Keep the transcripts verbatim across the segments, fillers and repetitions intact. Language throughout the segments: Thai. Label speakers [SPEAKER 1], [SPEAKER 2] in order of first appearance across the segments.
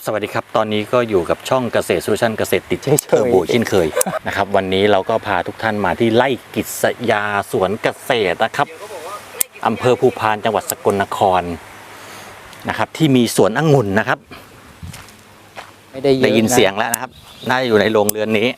[SPEAKER 1] สวัสดีครับตอนนี้ก็อยู่กับช่องเกษตรโซลูชันเกษตรติดเทอร์โบเช่นเคยนะครับวันนี้เราก็พาทุกท่านมาที่ไร่กิษยาสวนเกษตรนะครับอำเภอภูพานจังหวัดสกลนครนะครับที่มีสวนองุ่นนะครับไม่ได้ได้ยินเสียงแล้วนะครับน่าจะอยู่ในโรงเรือนนี้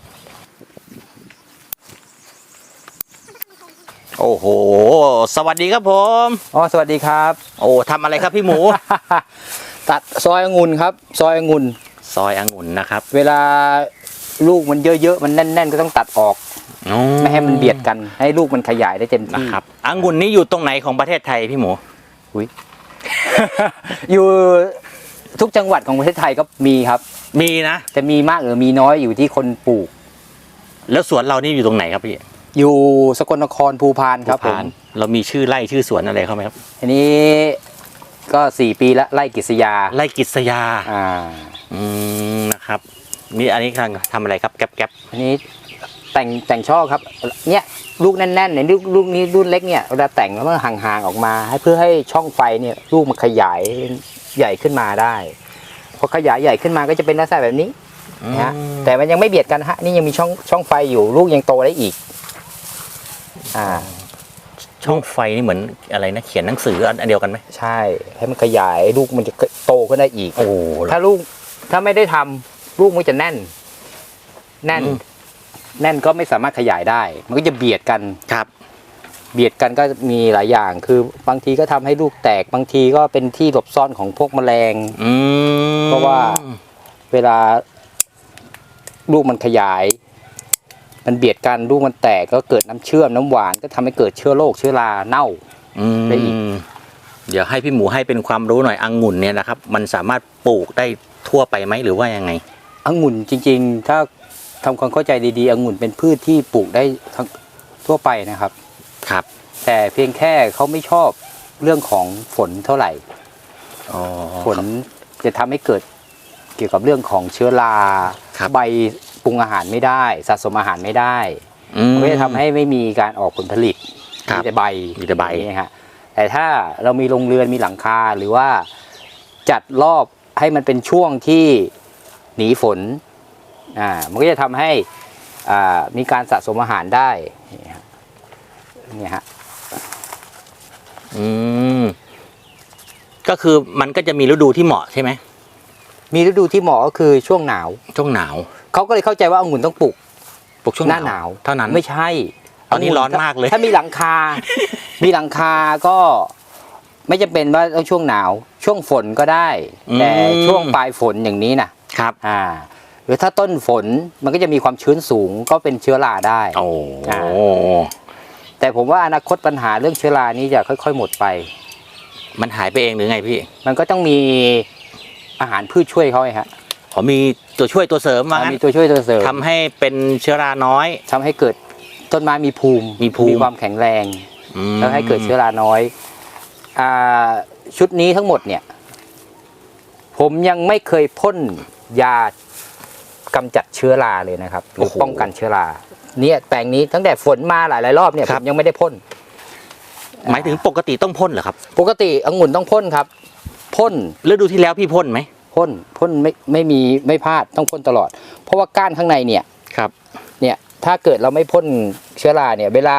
[SPEAKER 1] โอ้โหสวัสดีครับผม
[SPEAKER 2] อ๋อสวัสดีครับ
[SPEAKER 1] โอ้ทำอะไรครับพี่หมู
[SPEAKER 2] ตัดซอยองุ่นครับซอยองุ่น
[SPEAKER 1] ซอยองุ่นนะครับ
[SPEAKER 2] เวลาลูกมันเยอะๆมันแน่นๆก็ต้องตัดออกไม่ให้มันเบียดกันให้ลูกมันขยายได้เต็มที่
[SPEAKER 1] นะครับองุ่นนี้อยู่ตรงไหนของประเทศไทยพี่หมู
[SPEAKER 2] อุ้ย อยู่ทุกจังหวัดของประเทศไทยก็มีครับ
[SPEAKER 1] มีนะ
[SPEAKER 2] จะมีมากหรือมีน้อยอยู่ที่คนปลูก
[SPEAKER 1] แล้วสวนเรานี่อยู่ตรงไหนครับพี่
[SPEAKER 2] อยู่สกลนครภูพานครับผม
[SPEAKER 1] เรามีชื่อไร่ชื่อสวนอะไรเข้าไหมครับ
[SPEAKER 2] อันนี้ก็สี่ปีละไร่กิษยา
[SPEAKER 1] ไร่กิษยา
[SPEAKER 2] อ่า
[SPEAKER 1] อืมนะครับนี่อันนี้กำลังทำอะไรครับแก๊บแก๊บ
[SPEAKER 2] อันนี้แต่งแต่งช่อครับเนี่ยลูกแน่นๆเนี่ยลูกลูกนี้รุ่นเล็กเนี่ยเวลาแต่งแล้วมันห่างๆออกมาให้เพื่อให้ช่องไฟเนี่ยลูกมันขยายใหญ่ขึ้นมาได้พอขยายใหญ่ขึ้นมาก็จะเป็นลักษณะแบบนี้นะฮะแต่มันยังไม่เบียดกันฮะนี่ยังมีช่องช่องไฟอยู่ลูกยังโตได้อีกอ่า
[SPEAKER 1] ช่องไฟนี่เหมือนอะไรนะเขียนหนังสืออันเดียวกันไหม
[SPEAKER 2] ใช่ให้มันขยายลูกมันจะโตขึ้นได้อีก
[SPEAKER 1] โอ้
[SPEAKER 2] ถ้าลูกถ้าไม่ได้ทำลูกมันจะแน่นแน่นแน่นก็ไม่สามารถขยายได้มันก็จะเบียดกัน
[SPEAKER 1] ครับ
[SPEAKER 2] เบียดกันก็มีหลายอย่างคือบางทีก็ทำให้ลูกแตกบางทีก็เป็นที่หลบซ่อนของพวกแมลงเพราะว่าเวลาลูกมันขยายมันเบียดกันลูกมันแตกก็เกิดน้ำเชื่อมน้ำหวานก็ทำให้เกิดเชื้อโรคเชื้อราเน่าได้อีก
[SPEAKER 1] เดี๋ยวให้พี่หมูให้เป็นความรู้หน่อยองุ่นเนี่ยนะครับมันสามารถปลูกได้ทั่วไปไหมหรือว่ายังไง
[SPEAKER 2] องุ่นจริงๆถ้าทำความเข้าใจดีๆองุ่นเป็นพืชที่ปลูกได้ทั้งทั่วไปนะครับ
[SPEAKER 1] ครับ
[SPEAKER 2] แต่เพียงแค่เขาไม่ชอบเรื่องของฝนเท่าไหร่ฝนจะทำให้เกิดเกี่ยวกับเรื่องของเชื้อราใบปรุงอาหารไม่ได้สะสมอาหารไม่ได้มันก็จะทำให้ไม่มีการออกผลผลิตมีแต่ใบ
[SPEAKER 1] มีแต่ใบ
[SPEAKER 2] นี่ฮะแต่ถ้าเรามีโรงเรือนมีหลังคาหรือว่าจัดรอบให้มันเป็นช่วงที่หนีฝนอ่ามันก็จะทำให้อ่ามีการสะสมอาหารได้นี่ฮะ
[SPEAKER 1] อืมก็คือมันก็จะมีฤดูที่เหมาะใช่ไหม
[SPEAKER 2] มีฤดูที่เหมาะก็คือช่วงหนาว
[SPEAKER 1] ช่วงหนาว
[SPEAKER 2] เขาก็เลยเข้าใจว่าองุ่นต้องปลูก
[SPEAKER 1] ปลูกช่วง
[SPEAKER 2] หน้าหนาว
[SPEAKER 1] เท่านั้น
[SPEAKER 2] ไม่ใช่
[SPEAKER 1] ตอนนี้ร้อนมากเลย
[SPEAKER 2] ถ้ามีหลังคา มีหลังคาก็ไม่จำเป็นว่าต้องช่วงหนาวช่วงฝนก็ได้แต่ช่วงปลายฝนอย่างนี้นะครับอ่าหรือถ้าต้นฝนมันก็จะมีความชื้นสูงก็เป็นเชื้อราได้
[SPEAKER 1] โอ้
[SPEAKER 2] แต่ผมว่าอนาคตปัญหาเรื่องเชื้อรานี้จะค่อยๆหมดไป
[SPEAKER 1] มันหายไปเองหรือไงพี่
[SPEAKER 2] มันก็ต้องมีอาหารพืชช่วยเขาไงฮะ
[SPEAKER 1] อ๋อมีตัวช่วยตัวเสริมมา
[SPEAKER 2] มีตัวช่วยตัวเสริม
[SPEAKER 1] ทำให้เป็นเชื้อราน้อย
[SPEAKER 2] ทำให้เกิดต้นไม้มีภูมิ
[SPEAKER 1] มีภูมิ
[SPEAKER 2] มีความแข็งแรงแล้วให้เกิดเชื้อราน้อยอ่าชุดนี้ทั้งหมดเนี่ยผมยังไม่เคยพ่นยากำจัดเชื้อราเลยนะครับหรือป้องกันเชื้อราเนี่ยแปลงนี้ตั้งแต่ฝนมาหลายๆรอบเนี่ยผมยังไม่ได้พ่น
[SPEAKER 1] หมายถึงปกติต้องพ่นเหรอครับ
[SPEAKER 2] ปกติองุ่นต้องพ่นครับพ่น
[SPEAKER 1] ฤดูที่แล้วพี่พ่นไหม
[SPEAKER 2] พ่นพ่นไม่ไม่มีไม่พลาดต้องพ่นตลอดเพราะว่าก้านข้างในเนี่ย
[SPEAKER 1] ครับ
[SPEAKER 2] เนี่ยถ้าเกิดเราไม่พ่นเชื้อราเนี่ยเวลา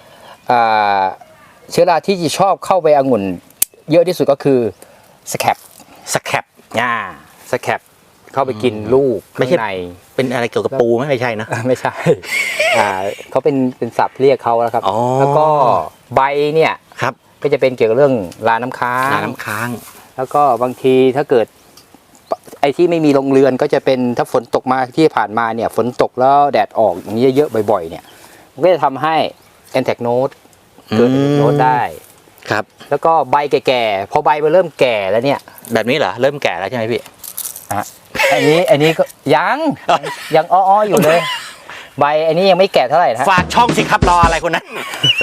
[SPEAKER 2] เชื้อราที่จะชอบเข้าไปองุ่นเยอะที่สุดก็คือสแคป
[SPEAKER 1] สแคป
[SPEAKER 2] อ่าสแคปเข้าไปกินลูกข้างใน
[SPEAKER 1] เป็นอะไรเกี่ยวกับปูไหมไม่ใช่นะ
[SPEAKER 2] ไม่ใช่อ่าเขาเป็นเป็นศัพท์เรียกเขาแล้วครับแล้วก็ใบเนี่ย
[SPEAKER 1] ครับ
[SPEAKER 2] ก็จะเป็นเกี่ยวกับเรื่องราน้ำค้าง
[SPEAKER 1] ราน้ำค้าง
[SPEAKER 2] แล้วก็บางทีถ้าเกิดไอ้ที่ไม่มีโรงเรือนก็จะเป็นถ้าฝนตกมาที่ผ่านมาเนี่ยฝนตกแล้วแดดออกอย่างนี้เยอะๆบ่อยๆเนี่ยมันก็จะทำให้แอนแทกโนดเกิดโนดได้
[SPEAKER 1] ครับ
[SPEAKER 2] แล้วก็ใบแก่ๆพอใบมันเริ่มแก่แล้วเนี่ย
[SPEAKER 1] แบบนี้เหรอเริ่มแก่แล้วใช่ไหมพี่
[SPEAKER 2] อ่ะอันนี้อันนี้ก็ยังยังอ้อๆอยู่เลยใบอันนี้ยังไม่แก่เท่าไหร่นะ
[SPEAKER 1] ฝากช่องสิครับรออะไรคนนั้น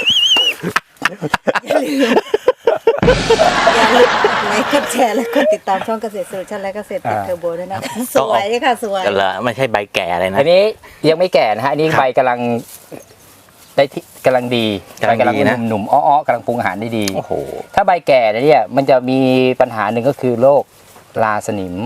[SPEAKER 3] อย่าลืมกดไลค์กดแชร์และกดติดตามช่องเกษตรโซลูชันและเกษตรติดเทอร์โบด้วยนะสวยค่ะสวย
[SPEAKER 1] กันละไม่ใช่ใบแก่อะไรนะ
[SPEAKER 2] อันนี้ยังไม่แก่นะฮะอันนี้ใบกำลังได้ที่กำลังดีใบกำลังหนุ่มๆอ้อๆกำลังปรุงอาหารได้ดีถ้าใบแก่เนี่ยมันจะมีปัญหาหนึ่งก็คือโรคราสนิม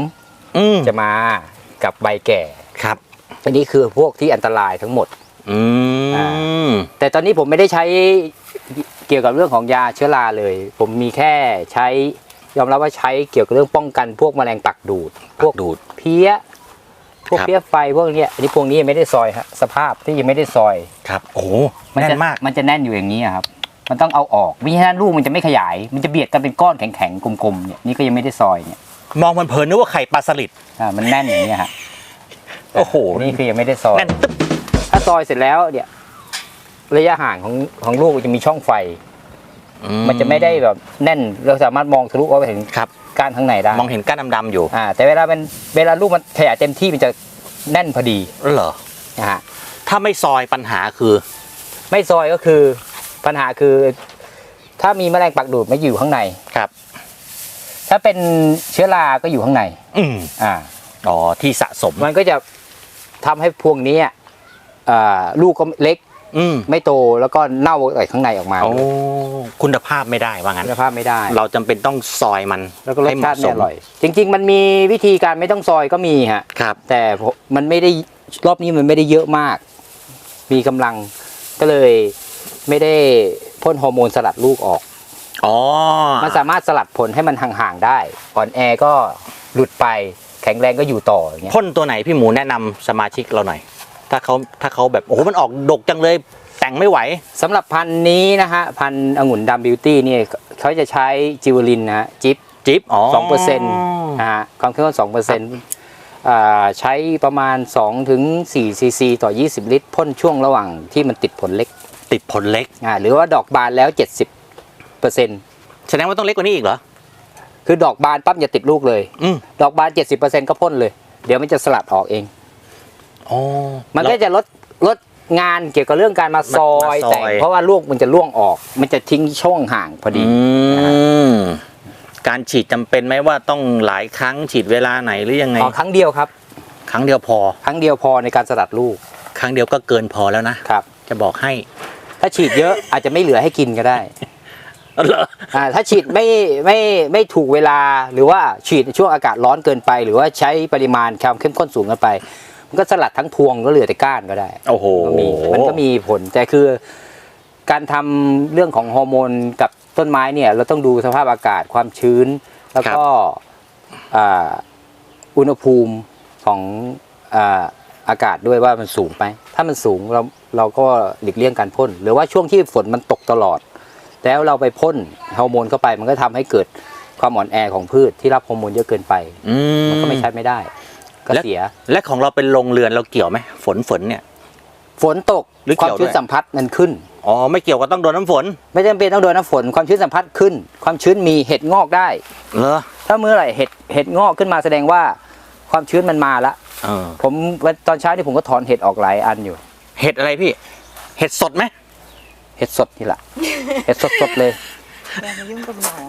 [SPEAKER 1] อืม
[SPEAKER 2] จะมากับใบแก่
[SPEAKER 1] ครับ
[SPEAKER 2] อันนี้คือพวกที่อันตรายทั้งหมด
[SPEAKER 1] อืม
[SPEAKER 2] แต่ตอนนี้ผมไม่ได้ใช้เกี่ยวกับเรื่องของยาเชื้อราเลย ผมมีแค่ใช้ยอมรับว่าใช้เกี่ยวกับเรื่องป้องกันพวกแมลงปักดูด พวก
[SPEAKER 1] ดูด
[SPEAKER 2] เพี้ยพวก
[SPEAKER 1] ครับ
[SPEAKER 2] เพี้ยไฟพวกเนี้ยอันนี้พวกนี้ยังไม่ได้ซอยฮะสภาพที่ยังไม่ได้ซอย
[SPEAKER 1] ครับ โอ้โห
[SPEAKER 2] มั
[SPEAKER 1] แน่
[SPEAKER 2] จะ
[SPEAKER 1] นมาก
[SPEAKER 2] มันจะแน่นอยู่อย่างนี้อะครับ มันต้องเอาออกมิฉะนั้นลูกมันจะไม่ขยาย มันจะเบียดกันเป็นก้อนแข็งๆกลมๆเนี่ยนี่ก็ยังไม่ได้ซอยเนี่ย
[SPEAKER 1] มองมันเพลินนึกว่าไข่ปลาสลิด
[SPEAKER 2] อ่ามันแน่นอย่างนี้ยฮะ
[SPEAKER 1] โอ้โห
[SPEAKER 2] นี่คือยังไม่ได้ซอย
[SPEAKER 1] แน่นตึ๊บ
[SPEAKER 2] ถ้าซอยเสร็จแล้วเนี่ยระยะห่างของของลูกจะมีช่องไฟ
[SPEAKER 1] อื
[SPEAKER 2] มันจะไม่ได้แบบแน่นเราสามารถมองทะลุออกไปเห็น
[SPEAKER 1] ครับ
[SPEAKER 2] ก้านข้างในได้
[SPEAKER 1] มองเห็นก้านดำๆอยู่
[SPEAKER 2] อ่าแต่เวลามันเวลาลูกมันขยายเต็มที่มันจะแน่นพอดี
[SPEAKER 1] เหรอ
[SPEAKER 2] นะฮะ
[SPEAKER 1] ถ้าไม่ซอยปัญหาคือ
[SPEAKER 2] ไม่ซอยก็คือปัญหาคือ ถ้ามีแมลงปักดูดมาอยู่ข้างใน
[SPEAKER 1] ครับ
[SPEAKER 2] ถ้าเป็นเชื้อราก็อยู่ข้างใน
[SPEAKER 1] อืม
[SPEAKER 2] อ่า
[SPEAKER 1] อ๋อ ที่สะสม
[SPEAKER 2] มันก็จะทำให้พวกนี้อ่าลูกก็เล็ก
[SPEAKER 1] อืม
[SPEAKER 2] ไม่โตแล้วก็เน่าจากข้างในออกมา
[SPEAKER 1] โอ้คุณภาพไม่ได้ว่างั้น
[SPEAKER 2] คุณภาพไม่ได้
[SPEAKER 1] เราจำเป็นต้องซอยมัน
[SPEAKER 2] แล้วก็รส
[SPEAKER 1] ให้เห
[SPEAKER 2] ชา
[SPEAKER 1] มาะ
[SPEAKER 2] ติ
[SPEAKER 1] ส
[SPEAKER 2] ไม่
[SPEAKER 1] ม
[SPEAKER 2] อร่อย จริง ๆ มันมีวิธีการไม่ต้องซอยก็มีฮะ
[SPEAKER 1] ครับ
[SPEAKER 2] แต่มันไม่ได้รอบนี้มันไม่ได้เยอะมาก มีกำลังก็เลยไม่ได้พ่นฮอร์โมนสลัดลูกออก
[SPEAKER 1] อ๋อ
[SPEAKER 2] มันสามารถสลัดผลให้มันห่างๆได้อ่อนแอก็หลุดไปแข็งแรงก็อยู่ต่ออย่างเงี้ย
[SPEAKER 1] พ่นตัวไหนพี่หมูแนะนำสมาชิกเราหน่อย ถ้าเขาถ้าเขาแบบ โอ้โห มันออกดกจังเลย แต่งไม่ไหว
[SPEAKER 2] สำหรับพันธุ์นี้นะฮะพันธุ์องุ่นดำบิวตี้เนี่ยเขาจะใช้จิวลินนะฮะจิป
[SPEAKER 1] จิ๊บ อ๋อ
[SPEAKER 2] สองเปอร์เซ็นต์นะฮะความเข้มข้นสองเปอร์เซ็นต์ใช้ประมาณสองถึงสี่ซีซีต่อยี่สิบลิตรพ่นช่วงระหว่างที่มันติดผลเล็ก
[SPEAKER 1] ติดผลเล็ก
[SPEAKER 2] อ่าหรือว่าดอกบานแล้ว เจ็ดสิบเปอร์เซ็นต์
[SPEAKER 1] แสดงว่าต้องเล็กกว่านี้อีกเหรอ
[SPEAKER 2] คือดอกบานปั๊บอย่าติดลูกเลย
[SPEAKER 1] อืม
[SPEAKER 2] ดอกบาน เจ็ดสิบเปอร์เซ็นต์ ก็พ่นเลย เดี๋ยวมันจะสลัดออกเอง
[SPEAKER 1] อ๋อ
[SPEAKER 2] มันก็จะลดลดงานเกี่ยวกับเรื่องการมาซอย
[SPEAKER 1] มาซอย
[SPEAKER 2] แต่งเพราะว่าลูกมันจะร่วงออก มันจะทิ้งช่องห่างพอดี
[SPEAKER 1] อืม การฉีดจำเป็นไหมว่าต้องหลายครั้งฉีดเวลาไหนหรือยังไง
[SPEAKER 2] อ๋อครั้งเดียวครับ
[SPEAKER 1] ครั้งเดียวพอ
[SPEAKER 2] ครั้งเดียวพอในการสลัดลูก
[SPEAKER 1] ครั้งเดียวก็เกินพอแล้วนะ
[SPEAKER 2] ครับ
[SPEAKER 1] จะบอกให้
[SPEAKER 2] ถ้าฉีดเยอะอาจจะไม่เหลือให้กินก็ได้
[SPEAKER 1] เหรอ
[SPEAKER 2] อ่าถ้าฉีดไม่ไม่ไม่ถูกเวลาหรือว่าฉีดในช่วงอากาศร้อนเกินไป หรือว่าใช้ปริมาณความเข้มข้นสูงเกินไป มันก็สลัดทั้งพวงก็เหลือแต่ก้านก็ได้
[SPEAKER 1] โอ้โห
[SPEAKER 2] ก็มีมันก็มีผลแต่คือการทำเรื่องของฮอร์โมนกับต้นไม้เนี่ยเราต้องดูสภาพอากาศความชื้น แล้วก็อ่าอุณหภูมิของอ่าอากาศด้วยว่ามันสูงไหมถ้ามันสูงเราเราก็หลีกเลี่ยงการพ่นหรือว่าช่วงที่ฝนมันตกตลอด แล้วเราไปพ่นฮอร์โมนเข้าไปมันก็ทำให้เกิดความอ่อนแอของพืชที่รับฮอร์โมนเยอะเกินไป
[SPEAKER 1] อืม
[SPEAKER 2] มันก็ไม่ใช้ไม่ได้ ก็เสีย
[SPEAKER 1] และของเราเป็นโรงเรือนเราเกี่ยวไหมฝนฝนเนี่ย
[SPEAKER 2] ฝนตก
[SPEAKER 1] หรือ
[SPEAKER 2] ควา
[SPEAKER 1] เกี่
[SPEAKER 2] ม
[SPEAKER 1] ยว
[SPEAKER 2] ชื้น
[SPEAKER 1] ด้วย
[SPEAKER 2] สัมผัสมันขึ้น
[SPEAKER 1] อ๋อ ไม่เกี่ยวกับต้องโดนน้ำฝน
[SPEAKER 2] ไม่จำเป็นต้องโดนน้ำฝนความชื้นสัมผัสขึ้น ความชื้นมีเห็ดงอกได้
[SPEAKER 1] เหรอ
[SPEAKER 2] ถ้าเมื่อไหร่เห็ดเห็ดงอกขึ้นมาแสดงว่าความชื้นมันมาละ
[SPEAKER 1] เออ
[SPEAKER 2] ผมวันตอนเช้านี่ผมก็ถอนเห็ดออกหลายอันอยู่
[SPEAKER 1] เห็ดอะไรพี่ เห็ดสดไหม
[SPEAKER 2] เห็ดสดนี่แหละ เห็ดสดๆเลย
[SPEAKER 3] อย่ามายุ่งกับหมอ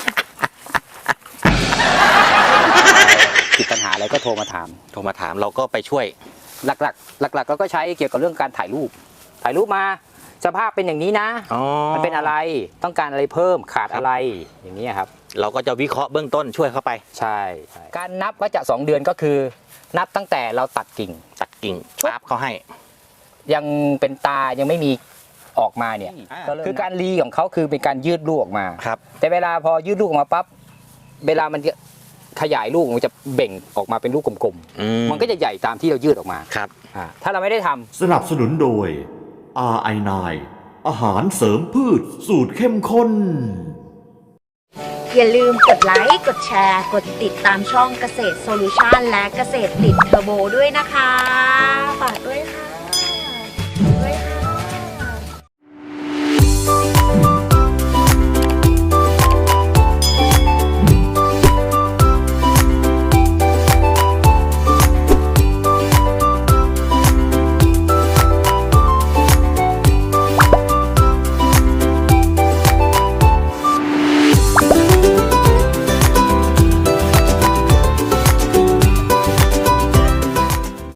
[SPEAKER 2] ติดปัญหาอะไรก็โทรมาถาม
[SPEAKER 1] โทรมาถามเราก็ไปช่วย
[SPEAKER 2] หลักๆ หลักๆเราก็ใช้เกี่ยวกับเรื่องการถ่ายรูป ถ่ายรูปมาสภาพเป็นอย่างนี้นะ
[SPEAKER 1] อ๋อ
[SPEAKER 2] มันเป็นอะไรต้องการอะไรเพิ่มขาดอะไรอย่างนี้ยครับ
[SPEAKER 1] เราก็จะวิเคราะห์เบื้องต้นช่วยเข้าไป
[SPEAKER 2] ใช่ใช่การนับก็จะสองเดือนก็คือ นับตั้งแต่เราตัดกิ่ง
[SPEAKER 1] ตัดกิ่งปั๊บเขาให้
[SPEAKER 2] ยังเป็นตายังไม่มีออกมาเนี่ย
[SPEAKER 1] อ่า
[SPEAKER 2] คือการรีของเขาคือเป็นการยืดลูกออกมา
[SPEAKER 1] ครับ
[SPEAKER 2] แต่เวลาพอยืดลูกออกมาปั๊บเวลามันจะขยายลูกมันจะเบ่งออกมาเป็นลูกกลม
[SPEAKER 1] อื
[SPEAKER 2] ๆมันก็จะใหญ่ตามที่เรายืดออกมา
[SPEAKER 1] ครับ
[SPEAKER 2] อ่าถ้าเราไม่ได้ทำ
[SPEAKER 4] สนับสนุนโดย อาร์ ไอ ไนน์ อาหารเสริมพืชสูตรเข้มข้น
[SPEAKER 5] อย่าลืมกดไลค์ กดแชร์ กดติดตามช่องเกษตรโซลูชันและเกษตรติดเทอร์โบด้วยนะคะ ฝากด้วยค่ะ